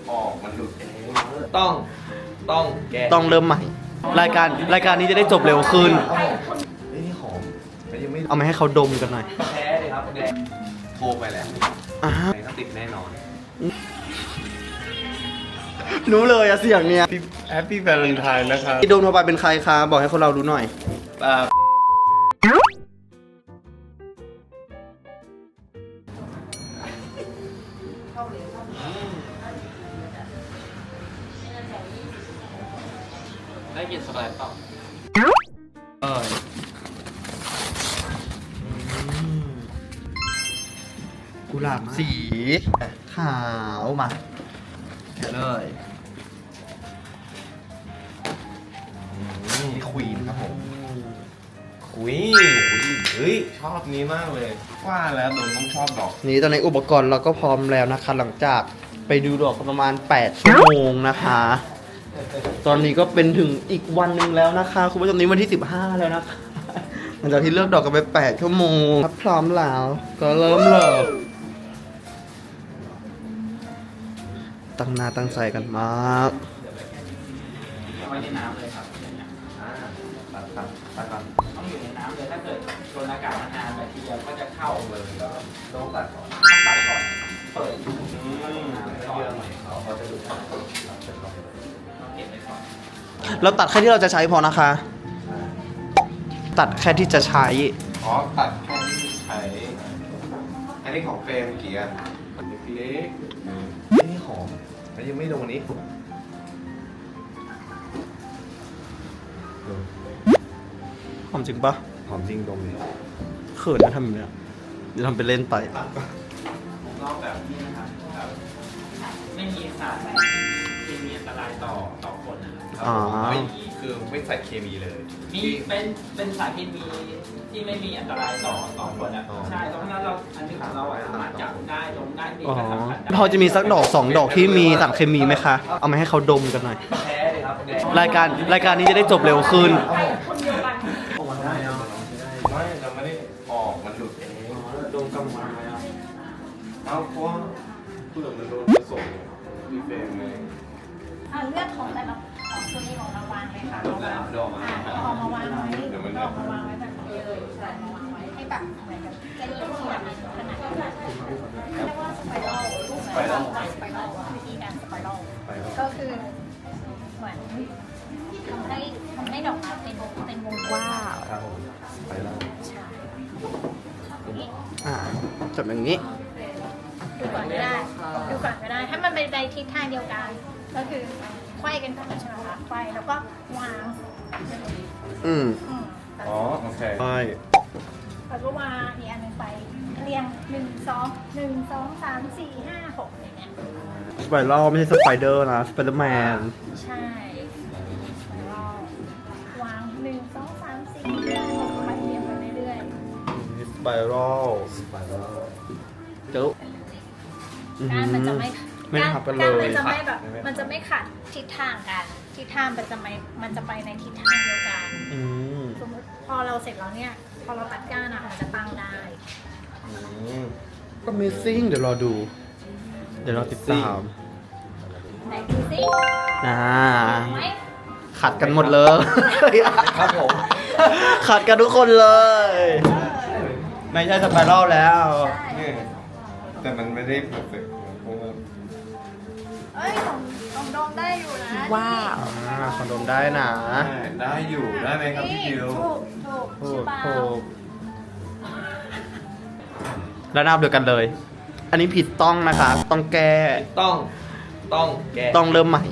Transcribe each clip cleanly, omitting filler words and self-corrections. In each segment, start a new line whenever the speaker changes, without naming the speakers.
ออกมันหลุด
ต้องแก
ต้องเริ่มใหม่ รายการนี้จะได้จบเร็วขึ้น
นี่หอมแต่ยังไม่
เอามาให้เขาดมกันหน่อย
แพ้เลยครับแดง
โทรไปแล้ว
อ่า
ติดแน่นอน
รู้เลยอะเสียงเนี้ย
แฮปปี้วาเลนไทน์นะครับ
ที่โดนโทรไปเป็นใครคะบอกให้คนเรารู้หน่อย
ได้กินสไลด์เปล่า
กุหลาบสีขาวมาเลย
นี่ควีนครับผมควีนเฮ้ยชอบนี้มากเลยว่าแล้วโดนต้องชอบดอก
นี่ตอนนี้อุปกรณ์เราก็พร้อมแล้วนะคะ หลังจากไปดูดอกกันประมาณ8 ชั่วโมงนะคะ ตอนนี้ก็เป็นถึงอีกวันหนึ่งแล้วนะคะคุณผู้ชมนี้วันที่15แล้วนะคะหลังจากที่เลือกดอกกันไป8 ชั่วโมงถ้าพร้อมแล้วก็เริ่มเลยตั้งหน้าตั้งใจกันมาก
เอาไว้ในน้ำเลยครับ
ตัด
ต้องอยู่ในน้ำเลยถ้าเกิดโดนอากาศนานๆแบคทีเรียก็จะเข้าเลยแล้ว
ต้องตัดก่อน
ต้องตัดก่อนเปิด
เยอะหน่อยเขาจะดูดต้อง
เก็บไว้ก่อน
เราตัดแค่ที่เราจะใช้พอนะคะ ตัดแค่ที่จะใช้
อ๋อตัดแค่ที่ใช้อันนี้ของเฟรมเมื่อกี้อ่ะเล็กๆนี่หอมแต่ยังไม่โดนนี้
หอมจริงปะ
หอมจริงดมเลย
เขินนะทำแบบเนี้ยเดี๋ยวทำไปเล่นไป
รอบแบบนี้นะครับแบบไม่มีสารเคมีอันตรายต่อคนนะครับ
อ๋อ
ไม่คือไม่ใส่เคมีเลย
มีเป็นสารเคมีที่ไม่มีอันตรายต่อคนนะ
อ๋อ
ใช่เพราะฉะนั้นเราอันนี้ของเราอะสามารถจับได้ดมได้ดี
อ๋อ
ก็สัมผัสได้
พอจะมีสักดอก2 ดอกที่มีสารเคมีไหมคะ เอามาให้เขาดมกันหน่อย
แพ้เลยครับแดง
รายการนี้จะได้จบเร็วขึ้น
คนเดียวกัน
ได้เนาะไม่เราไม่ได้ออกมันหลุดเอง
ดมกำมันเลยอ่ะ
เอาเพราะว่าเปลือกมันโดนผสมมีเฟรมเลย
เลือกของแต่ละของตัวนี้ของเราวางเลยค่ะ
ดอกแล้วดอกมา
เอามาวางไว้
เดี๋ยวมัน
เอามาวางไว้แบบนี้เลยใช่มาวางไว้ให้แบบเหมือนกับเส้นเลือดที่แบบขนาดเรียกว่าสไปรัลสไปรัลวิธีการสไปรัลก็คือเหมือนทำให้ดอกไม้เป็นวงกว้าง
ครับผมไปแล้ว
ใช่
อ่าจับอย่างนี้
ดูก่อนก็ได้ดูก่อนก็ได้ถ้ามันเป็นในทิศทางเดียวกัน ก็คือไขว้กันก่อนใช่ไหมคะไขว้แล้วก็วาง
อืม
อ๋อโอเค
ใช่
แล้วก็วางอีกอันหนึ่งไปเรียง1 2 3 4 5 6อย่างเงี้ย
สไปรัลไม่ใช่สไปเดอร์นะ สไปเดอร์แมน
ใช่แล้วก็วาง1 2 3 4 5 6ไปเรียงไปเรื่อย
สไปรัลเจ้า
ๆการมันจะไม่
ไม่ทับกันเล
การ
ย
มันจะไม่แบบมันจะไม่ขัดทิศทางกันทิศทางมันจะไปในทิศทางเดียวกัน
อืม
สมมติพอเราเสร็จแล้วเนี่ยพอเราตัดก้านอะมันจะตั้งได้
ก็ Amazing เดี๋ยวรอดู เดี๋ยวเราติดตาม
ไหนดูสิ
อ่า
ไหม
ขัดกันหมดเลย
ครับผม
ขัดกันทุกคนเลย ไม่ใช่สไปรัลแล้ว
ใช่
นี่แต่มันไม่ได้เพอร์เฟกต์เพราะว่า
เอ้ยของดองได้อยู่นะ
ว้าว คอนโดมได้นะ
ได้อยู่ได้ไหมครับพี่คิว
ถูก
ถูกแล้วนับเดียวกันเลย อันนี้ผิดต้องนะคะ ต้องแก้
ต้องแก
ต้องเริ่มใหม่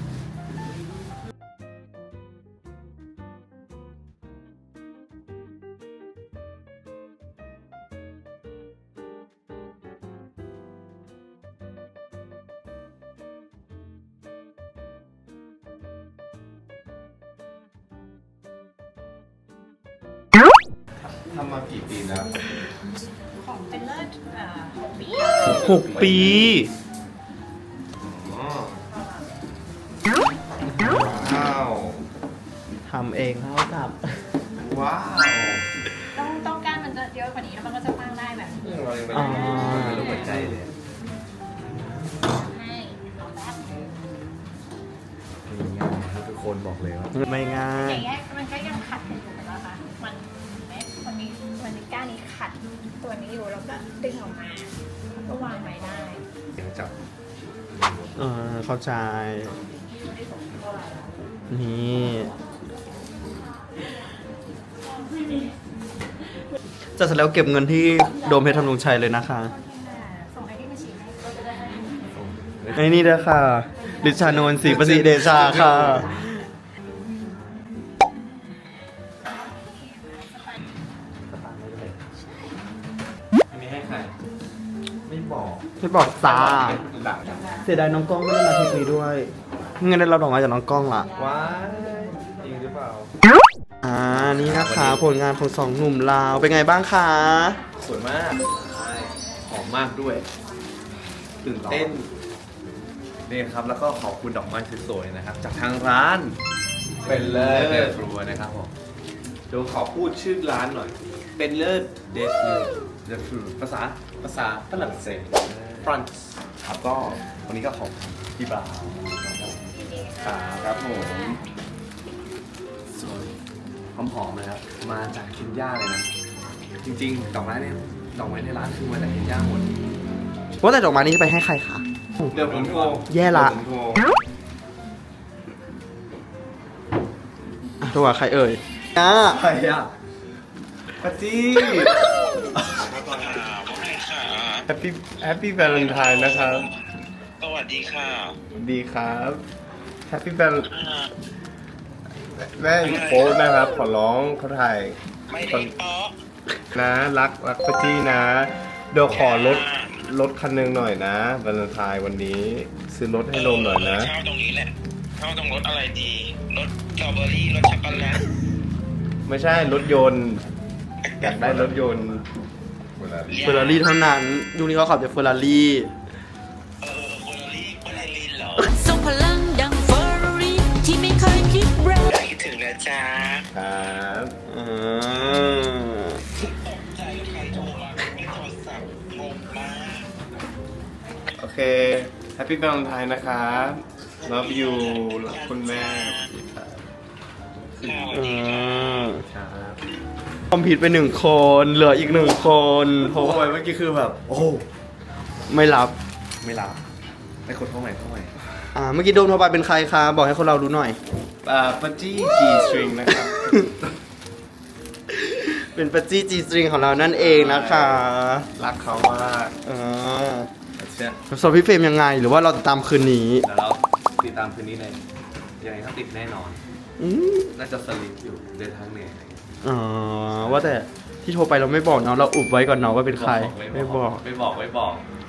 ทำมากี่ปีแล้ว
ของเป็นเลิศ6 ปี
6 ปี
อ๋อว้าว
ทำเองเท่ากับ
ว้าว
ต้องการมันจะเยอะกว่านี้แล้วมันก็จะตั้งได้แบบนี้
เรายังไม่ได้ไม่รู้หัวใจเลย
ให้เอาแป๊บ
ง่ายครับทุกคนบอกเลยว่า
ไม่ง่า
อย ย่างเงี้ยมันก็ยังขัดกันอยู่นะคะมันเห็นไหมมันมีก้านนี้ขัดตัวนี้อยู่แล้วก็ดึงออกมาแล้วก็วางไว้ได้
เดี๋ยวจับ
เข้าใจ นี่จะเสร็จแล้วเก็บเงินที่โดมเพชรธำรงชัยเลยนะคะ
ส่งไอ้ที่มาฉีดให้
ไอ้นี่ด้วยค่ะลิชานนท์ศรีประสิทธิ์เดชาค่ะ
อันนี้ให้ใคร
ไม่บอก
ไม่บอกจ้า
หลัง
เสียดายน้องกล้องไม่ได้มาทริปนี้ด้วยเงินได้รับดอกไม้จากน้องกล้องละ
ว้ายจริงหรือเปล่า
นี่นะคะผลงานของสองหนุ่มลาวเป็นไงบ้างคะ
สวยมากใช่หอมมากด้วย ตื่นเต้นนี่ครับแล้วก็ขอบคุณดอกไม้สวยๆนะครับ จากทางร้าน เป็นเลิศเดฟรูนะครับผมเดี๋ยวขอพูดชื่อร้านหน่อย เป็นเลิศเดฟรูภาษาฝรั่งเศสฟรานซ์ครับก็วันนี้ก็ขอบคุณพี่บ่าวครับผมสวยหอมๆนะครับมาจากเคนยาเลยนะ จริงๆดอกไม้เนี่ยดอกไม้ในร้านคือมาจากเคนยาหมด
ว่าแต่ดอกไม้นี้จะไปให้ใครคะ
เดี๋ยวผมโทร
แย่ละ
เดี๋ยวผมโทร
โทรหาใครเอ่ย
ใครอ่ะปาจี้แฮปปี้แวาเลนไทน์นะครับ
สวัสดีค่ะ
ดีครับแฮปปี้แวาแม่โป๊นะครับ ขอร้องเขาถ่าย
ไม่ได้เปาะ
นะรักปาจี้นะ เดี๋ยวขอรถคันหนึงหน่อยนะวาเลนไทน์วันนี้ ซื้อรถให้โดมหน่อยนะ
เช่าตรงนี้แหละเช่าตรงรถอะไรดี รถสตรอเบอรี่รถช็อกโกแลต
ไม่ใช่รถยนต์ อยากได้รถยนต์
เฟอร์รารี่เท่านั้นยุคนี้เขาขับแต่เฟอร์รารี่
เฟอร์รารี่อะไรลินเหรอ
ทรงพลังดังเฟอร์รารี่ที่ไม่เคยคิดเร็ว
อยากคิดถึงนะจ๊ะ
ครับ
ตกใจใครโทรมาไม่โทรศัพท์งงมาก
โอเคแฮปปี้ a l e n ไทน์นะครับ love you รักคุณแม่
สวัสดีค่ะ
ครับ
คอมผิดไปหนึ่งคน เหลืออีกหนึ่งคนเพ
โอ้
ราะว่าย
เมื่อกี้คือแบบ โอ้
ไม่รับ
ไม่รับให้คนเข้าใหม่
เมื่อกี้โดมโทรไปเป็นใครคะ บอกให้คนเรารู้หน่อย
ปัจจี้ G string นะครับ
เป็นปัจจี้จีสตริงของเรานั่นเองนะคะ
รักเขามาก
อ่า
เชื่อ
ส่วนพี่เฟรมยังไง หรือว่าเราจะตามคืนนี้
เดี๋ยวเราติดตามคืนนี้เลยยังไงก็ติดแน่นอน
อืม
น่าจะสลิปอยู่เดินทางเหนื่อย
อ๋อว่าแต่ที่โทรไปเราไม่บอกเนาะเราอุบไว้ก่อนเนาะว่าเป็นใคร ไม่บอก
ไม่บอก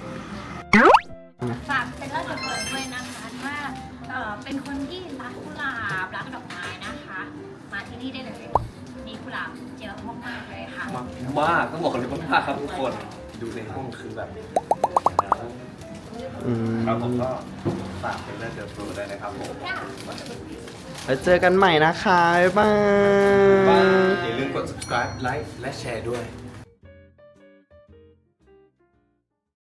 ฝากเป็นเลิศเปิดด้วยนะคะว่าเป็นคนที่รักกุหลาบรักดอกไม้นะคะ มาที่นี่ได้เลย มีกุหลาบเยอะมากๆเลยค่ะ
มากต้องบอกเลยว่ามากครับทุกคน ดูในห้องคือแบบ
อืม
ครับผมก็ฝากเป็นเรื่องเดอะโปรได้นะครับผม
แล้วเจอกันใหม่นะคะ บ๊ายบาย
อย่าลืมกด subscribe ไลค์และแชร์ด้วย